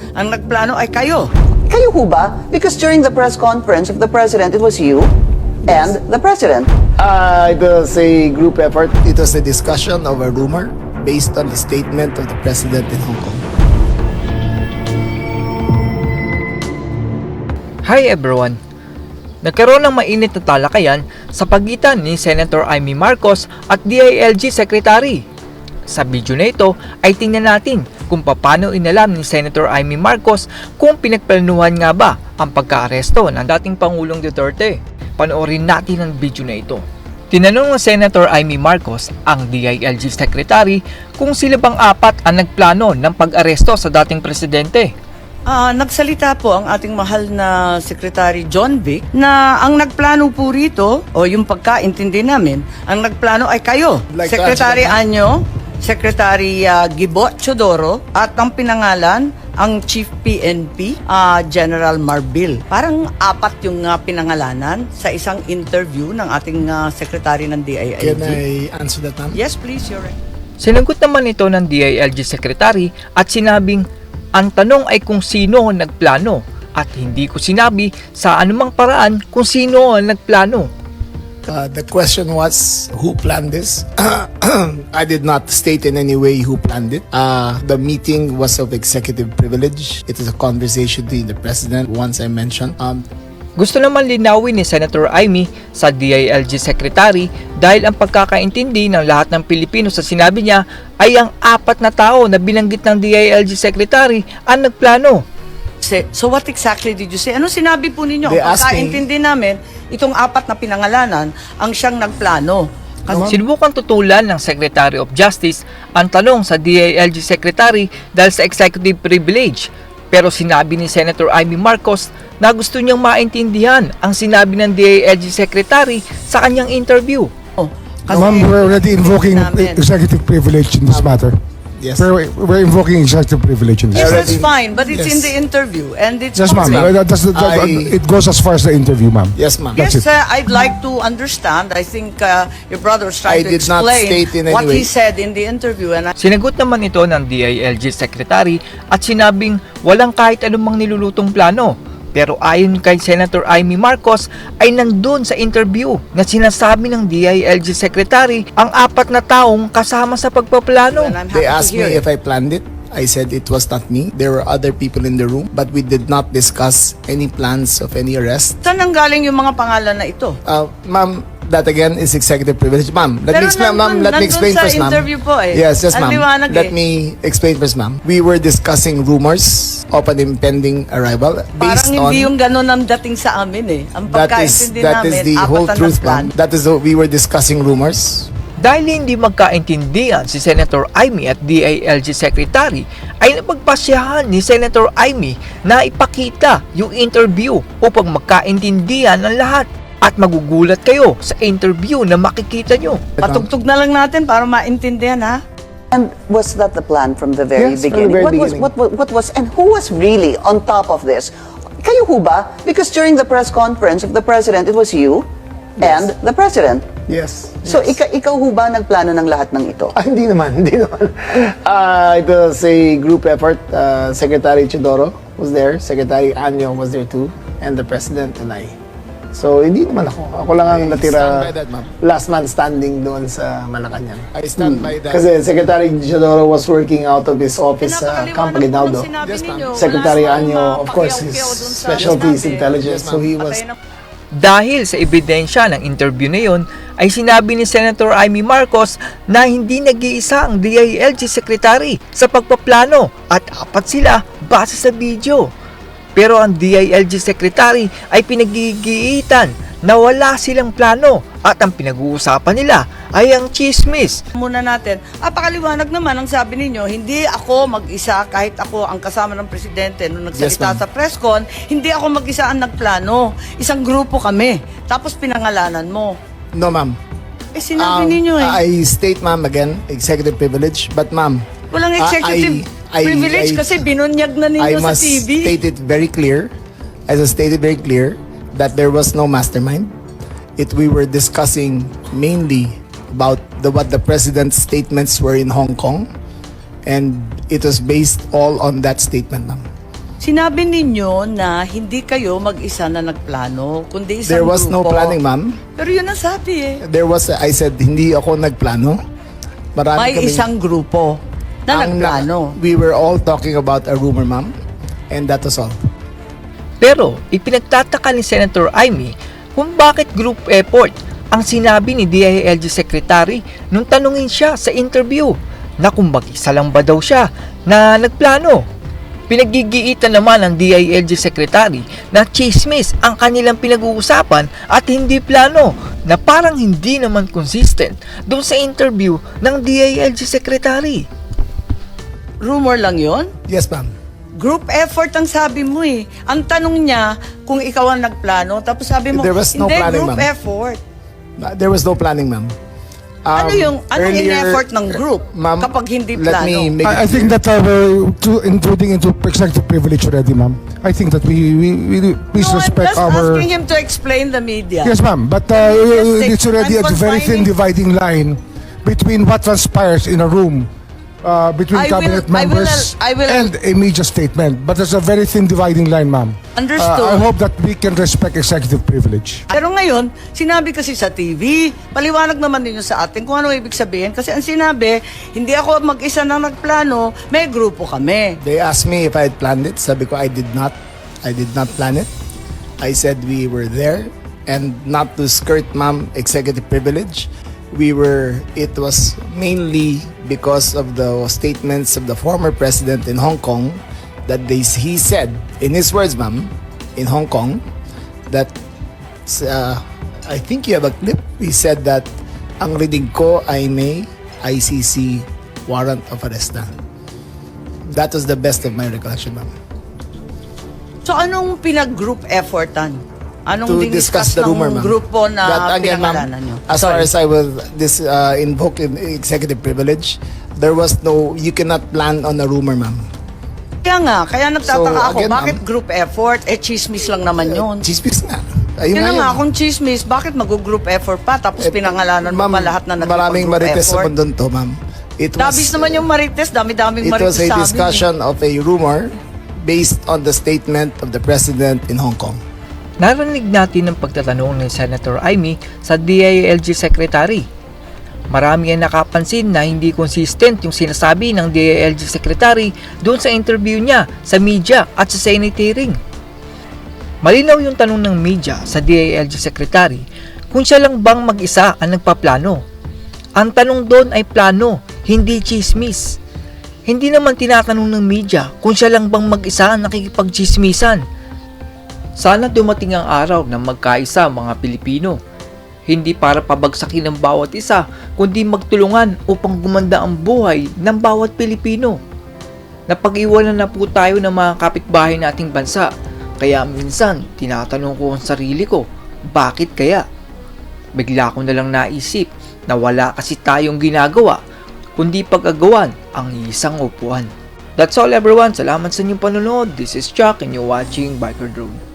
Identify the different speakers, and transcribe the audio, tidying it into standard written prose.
Speaker 1: Ang nagplano ay kayo.
Speaker 2: Kayo ho ba? Because during the press conference of the President, it was you and the President.
Speaker 3: It was a group effort. It was a discussion of a rumor based on the statement of the President in Hong Kong.
Speaker 4: Hi everyone! Nagkaroon ng mainit na talakayan sa pagitan ni Senator Amy Marcos at DILG Secretary. Sa video na ito ay tingnan natin kung paano inalam ni Senator Amy Marcos kung pinagplanuhan nga ba ang pagka-aresto ng dating Pangulong Duterte. Panoorin natin ang video na ito. Tinanong ng Senator Amy Marcos ang DILG Secretary kung sila bang apat ang nagplano ng pag-aresto sa dating presidente.
Speaker 1: Nagsalita po ang ating mahal na Secretary John Vic na ang nagplano po rito, o yung pagkaintindi namin, ang nagplano ay kayo.
Speaker 3: Like
Speaker 1: Secretary
Speaker 3: that,
Speaker 1: Anyo, Secretary Gibo Chodoro, at ang pinangalan, ang Chief PNP, General Marbil. Parang apat yung pinangalanan sa isang interview ng ating Secretary ng DILG.
Speaker 3: Can I answer that, ma'am?
Speaker 1: Yes, please, Your Honor.
Speaker 4: Sinagot naman ito ng DILG Secretary at sinabing ang tanong ay kung sino ang nagplano at hindi ko sinabi sa anumang paraan kung sino ang nagplano.
Speaker 3: The question was, who planned this? I did not state in any way who planned it. The meeting was of executive privilege. It is a conversation between the President, once I mentioned.
Speaker 4: Gusto naman linawin ni Senator Amy sa DILG Secretary dahil ang pagkakaintindi ng lahat ng Pilipino sa sinabi niya ay ang apat na tao na binanggit ng DILG Secretary ang nagplano.
Speaker 1: So what exactly did you say? Ano sinabi po ninyo?
Speaker 3: They asked me-
Speaker 1: Pagkaintindi namin, itong apat na pinangalanan ang siyang nagplano.
Speaker 4: Sinubukang tutulan ng Secretary of Justice ang tanong sa DILG Secretary dahil sa executive privilege. Pero sinabi ni Senator Amy Marcos na gusto niyang maintindihan ang sinabi ng DILG Secretary sa kanyang interview.
Speaker 5: Ma'am, we're already invoking
Speaker 1: namin.
Speaker 5: executive privilege in this matter.
Speaker 3: Yes.
Speaker 5: We're invoking executive privilege in this
Speaker 1: Yes,
Speaker 5: matter.
Speaker 1: that's fine, but it's
Speaker 3: Yes.
Speaker 1: in the interview and it's
Speaker 5: Yes, ma'am.
Speaker 1: public.
Speaker 5: It goes as far as the interview, ma'am.
Speaker 3: Yes, ma'am.
Speaker 5: That's
Speaker 1: Yes,
Speaker 5: it.
Speaker 1: I'd like to understand. I think your brother was
Speaker 3: I
Speaker 1: trying to
Speaker 3: did not
Speaker 1: explain
Speaker 3: state in any
Speaker 1: what he
Speaker 3: way.
Speaker 1: said in the interview, and
Speaker 4: Sinagot naman ito ng DILG Secretary at sinabing walang kahit anumang nilulutong plano. Pero ayon kay Senator Amy Marcos ay nandun sa interview na sinasabi ng DILG Secretary ang apat na taong kasama sa pagpaplano.
Speaker 1: and I'm happy
Speaker 3: They
Speaker 1: to
Speaker 3: asked
Speaker 1: hear
Speaker 3: me
Speaker 1: it.
Speaker 3: if I planned it. I said it was not me. There were other people in the room, but we did not discuss any plans of any arrest.
Speaker 1: Saan nanggaling yung mga pangalan na ito?
Speaker 3: Ma'am, that again is executive privilege. Ma'am, let
Speaker 1: Pero
Speaker 3: me explain, ma'am. Let me
Speaker 1: nandun
Speaker 3: explain
Speaker 1: sa
Speaker 3: first, ma'am.
Speaker 1: interview po eh.
Speaker 3: Yes, yes,
Speaker 1: Ang
Speaker 3: ma'am.
Speaker 1: liwanag
Speaker 3: Let
Speaker 1: eh.
Speaker 3: me explain first, ma'am. We were discussing rumors of an impending arrival based
Speaker 1: Parang
Speaker 3: on
Speaker 1: hindi yung ganun ang dating sa amin eh. Ang pagkaintindi
Speaker 3: that is
Speaker 1: namin,
Speaker 3: the whole
Speaker 1: apat na
Speaker 3: truth,
Speaker 1: nagplano.
Speaker 3: ma'am. That is we were discussing rumors.
Speaker 4: Dahil hindi magkaintindihan si Senator Amy at DILG Secretary, ay napagpasyahan ni Senator Amy na ipakita yung interview upang magkaintindihan ang lahat. At magugulat kayo sa interview na makikita nyo.
Speaker 1: Patugtog na lang natin para maintindihan ha.
Speaker 2: And was that the plan from the very
Speaker 3: Yes, from the
Speaker 2: beginning?
Speaker 3: very
Speaker 2: What was, and who was really on top of this? Kayo ho ba? Because during the press conference of the President, it was you and the President.
Speaker 3: Yes.
Speaker 2: So, ikaw ho ba nagplano ng lahat ng ito?
Speaker 3: Hindi naman, hindi naman. It was a group effort. Secretary Chodoro was there, Secretary Anyo was there too, and the President and I. So, hindi naman ako. Ako lang ang natira last man standing doon sa Malacanang. I stand by that. Kasi Secretary Chodoro was working out of his office sa Camp Aguinaldo. Secretary Anyo, of course, his specialty is intelligence. So, he was...
Speaker 4: Dahil sa ebidensya ng interview na yon, ay sinabi ni Senator Amy Marcos na hindi nag-iisa ang DILG Secretary sa pagpaplano at apat sila base sa video. Pero ang DILG Secretary ay pinagigiitan na wala silang plano at ang pinag-uusapan nila ay ang chismis.
Speaker 1: Muna natin, pakaliwanag naman ang sabi ninyo, hindi ako mag-isa kahit ako ang kasama ng presidente nung nagsalita
Speaker 3: Yes, ma'am.
Speaker 1: sa press con, hindi ako mag-isa ang nagplano. Isang grupo kami. Tapos pinangalanan mo.
Speaker 3: No, ma'am.
Speaker 1: Sinabi ninyo eh.
Speaker 3: I state, ma'am, again, executive privilege. But, ma'am,
Speaker 1: Walang executive privilege kasi binunyag na
Speaker 3: I
Speaker 1: ninyo sa
Speaker 3: must
Speaker 1: TV.
Speaker 3: state it very clear, that there was no mastermind. We were discussing mainly about what the president's statements were in Hong Kong, and it was based all on that statement, ma'am.
Speaker 1: Sinabi ninyo na hindi kayo mag-isa na nagplano, kundi isang
Speaker 3: There was no
Speaker 1: grupo.
Speaker 3: planning, ma'am.
Speaker 1: Pero yun ang sabi eh.
Speaker 3: I said, hindi ako nagplano. Marami
Speaker 1: May
Speaker 3: kaming-
Speaker 1: isang grupo na
Speaker 3: ang-
Speaker 1: nagplano.
Speaker 3: We were all talking about a rumor, ma'am. And that was all.
Speaker 4: Pero ipinagtataka ni Senator Amy kung bakit group effort ang sinabi ni DILG Secretary nung tanungin siya sa interview na kung mag-isa lang ba daw siya na nagplano. Pinagigiitan naman ng DILG Secretary na chismis ang kanilang pinag-uusapan at hindi plano na parang hindi naman consistent doon sa interview ng DILG Secretary.
Speaker 1: Rumor lang yon.
Speaker 3: Yes, ma'am.
Speaker 1: Group effort ang sabi mo eh. Ang tanong niya kung ikaw ang nagplano, tapos sabi mo,
Speaker 3: There was no
Speaker 1: hindi,
Speaker 3: planning,
Speaker 1: group
Speaker 3: ma'am.
Speaker 1: effort.
Speaker 3: There was no planning, ma'am.
Speaker 1: Anong
Speaker 3: Earlier-
Speaker 1: in-effort ng group
Speaker 3: Ma'am,
Speaker 1: kapag hindi
Speaker 3: let
Speaker 1: plano?
Speaker 3: me make
Speaker 5: I think that we're intruding into executive privilege already, ma'am. I think that we please
Speaker 1: No, I'm
Speaker 5: respect
Speaker 1: just
Speaker 5: our...
Speaker 1: asking him to explain the media.
Speaker 5: Yes, ma'am. But
Speaker 1: Yes,
Speaker 5: it's already
Speaker 1: I'm
Speaker 5: a very thin
Speaker 1: confining-
Speaker 5: dividing line between what transpires in a room between cabinet members
Speaker 1: I will-
Speaker 5: and a media statement. But there's a very thin dividing line, ma'am.
Speaker 1: Understood.
Speaker 5: I hope that we can respect executive privilege.
Speaker 1: Pero ngayon, sinabi kasi sa TV, paliwanag naman ninyo sa atin kung ano ibig sabihin. Kasi ang sinabi, hindi ako mag-isa na nagplano, may grupo kami.
Speaker 3: They asked me if I had planned it. Sabi ko, I did not. I did not plan it. I said we were there, and not to skirt, ma'am, executive privilege. It was mainly because of the statements of the former president in Hong Kong that he said, in his words, ma'am, in Hong Kong, that I think you have a clip. He said that ang reading ko ay may ICC warrant of arrest na. That was the best of my recollection, ma'am.
Speaker 1: So anong pinag-group effortan? Anong
Speaker 3: To discuss the
Speaker 1: ng
Speaker 3: rumor, ma'am.
Speaker 1: grupo na
Speaker 3: That again, ma'am,
Speaker 1: pinangalanan nyo?
Speaker 3: as far
Speaker 1: Sorry.
Speaker 3: as I will invoke in executive privilege, there was no, you cannot plan on a rumor, ma'am.
Speaker 1: Kaya nagtataka
Speaker 3: So,
Speaker 1: ako,
Speaker 3: again,
Speaker 1: bakit
Speaker 3: ma'am,
Speaker 1: group effort? Chismis lang naman yun.
Speaker 3: Chismis nga. Ayun
Speaker 1: Yun na
Speaker 3: nga
Speaker 1: nga,
Speaker 3: yun.
Speaker 1: kung chismis, bakit mag-group effort pa? Tapos pinangalanan mo
Speaker 3: Ma'am,
Speaker 1: pa lahat na
Speaker 3: maraming
Speaker 1: nagpag-group
Speaker 3: marites sa
Speaker 1: effort.
Speaker 3: mundo to, ma'am. It was,
Speaker 1: Dabis naman yung marites, dami-daming
Speaker 3: it
Speaker 1: marites
Speaker 3: was a
Speaker 1: sa amin.
Speaker 3: discussion of a rumor based on the statement of the president in Hong Kong.
Speaker 4: Narinig natin ang pagtatanong ni Senator Amy sa DILG Secretary. Marami ang nakapansin na hindi consistent yung sinasabi ng DILG Secretary doon sa interview niya sa media at sa Senate hearing. Malinaw yung tanong ng media sa DILG Secretary kung siya lang bang mag-isa ang nagpaplano. Ang tanong doon ay plano, hindi chismis. Hindi naman tinatanong ng media kung siya lang bang mag-isa ang nakikipagchismisan. Sana dumating ang araw na magkaisa ang mga Pilipino. Hindi para pabagsakin ang bawat isa, kundi magtulungan upang gumanda ang buhay ng bawat Pilipino. Napag-iwanan na po tayo ng mga kapitbahay nating bansa, kaya minsan tinatanong ko ang sarili ko, bakit kaya? Bigla ko na lang naisip na wala kasi tayong ginagawa, kundi pag-agawan ang isang upuan. That's all everyone, salamat sa inyong panonood. This is Chuck and you're watching Biker Drone.